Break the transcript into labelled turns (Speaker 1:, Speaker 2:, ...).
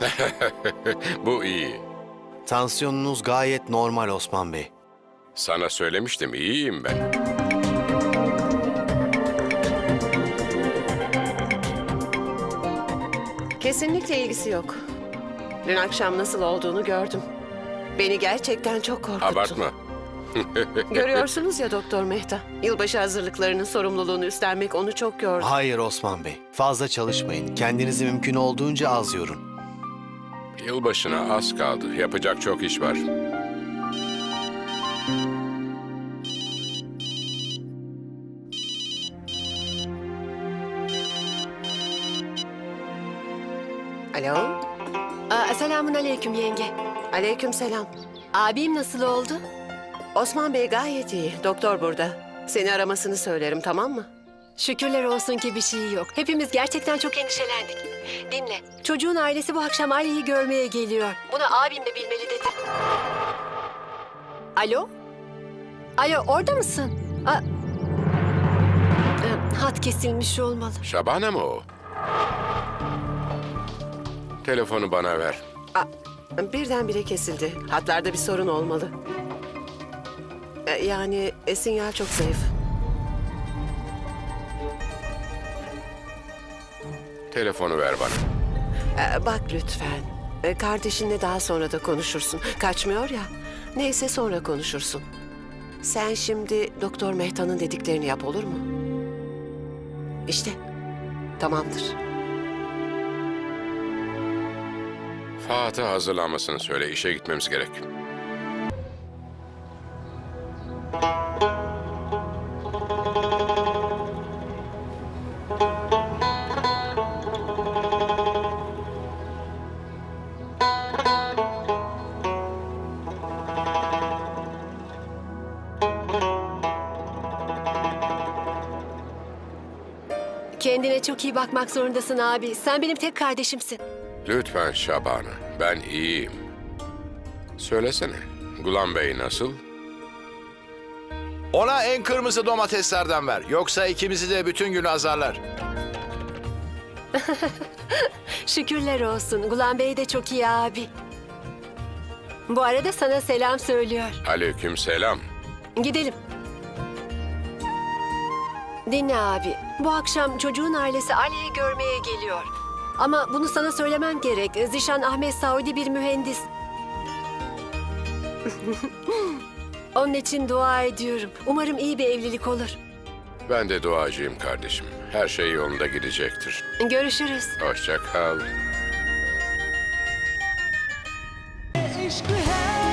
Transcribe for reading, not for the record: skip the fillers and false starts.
Speaker 1: Bu iyi.
Speaker 2: Tansiyonunuz gayet normal Osman Bey.
Speaker 1: Sana söylemiştim, iyiyim ben.
Speaker 3: Kesinlikle ilgisi yok. Dün akşam nasıl olduğunu gördüm. Beni gerçekten çok korkuttu.
Speaker 1: Abartma.
Speaker 3: Görüyorsunuz ya Doktor Mehta. Yılbaşı hazırlıklarının sorumluluğunu üstlenmek onu çok yordu.
Speaker 2: Hayır Osman Bey. Fazla çalışmayın. Kendinizi mümkün olduğunca az yorun.
Speaker 1: Yılbaşına az kaldı. Yapacak çok iş var.
Speaker 3: Alo?
Speaker 4: Selamun aleyküm yenge.
Speaker 3: Aleykümselam.
Speaker 4: Abim nasıl oldu?
Speaker 3: Osman Bey gayet iyi. Doktor burada. Seni aramasını söylerim, tamam mı?
Speaker 4: Şükürler olsun ki bir şey yok. Hepimiz gerçekten çok endişelendik. Dinle, çocuğun ailesi bu akşam Ali'yi görmeye geliyor. Bunu abim de bilmeli dedi. Alo? Alo, orada mısın? Hat kesilmiş olmalı.
Speaker 1: Şabana mı o? Telefonu bana ver.
Speaker 3: Birdenbire kesildi. Hatlarda bir sorun olmalı. Yani sinyal çok zayıf.
Speaker 1: Telefonu ver bana.
Speaker 3: Bak lütfen. Kardeşinle daha sonra da konuşursun. Kaçmıyor ya. Neyse sonra konuşursun. Sen şimdi Doktor Mehta'nın dediklerini yap, olur mu? İşte. Tamamdır.
Speaker 1: Fatih hazırlanmasını söyle. İşe gitmemiz gerek.
Speaker 4: Kendine çok iyi bakmak zorundasın abi. Sen benim tek kardeşimsin.
Speaker 1: Lütfen Şabana. Ben iyiyim. Söylesene. Gulam Bey nasıl?
Speaker 5: Ona en kırmızı domateslerden ver. Yoksa ikimizi de bütün gün azarlar.
Speaker 4: Şükürler olsun. Gulam Bey de çok iyi abi. Bu arada sana selam söylüyor.
Speaker 1: Aleykümselam.
Speaker 4: Gidelim. Dinle abi. Bu akşam çocuğun ailesi Ali'yi görmeye geliyor. Ama bunu sana söylemem gerek. Zişan Ahmet Saudi bir mühendis. Onun için dua ediyorum. Umarım iyi bir evlilik olur.
Speaker 1: Ben de duacıyım kardeşim. Her şey yolunda gidecektir.
Speaker 4: Görüşürüz.
Speaker 1: Hoşça kal.
Speaker 6: इश्क है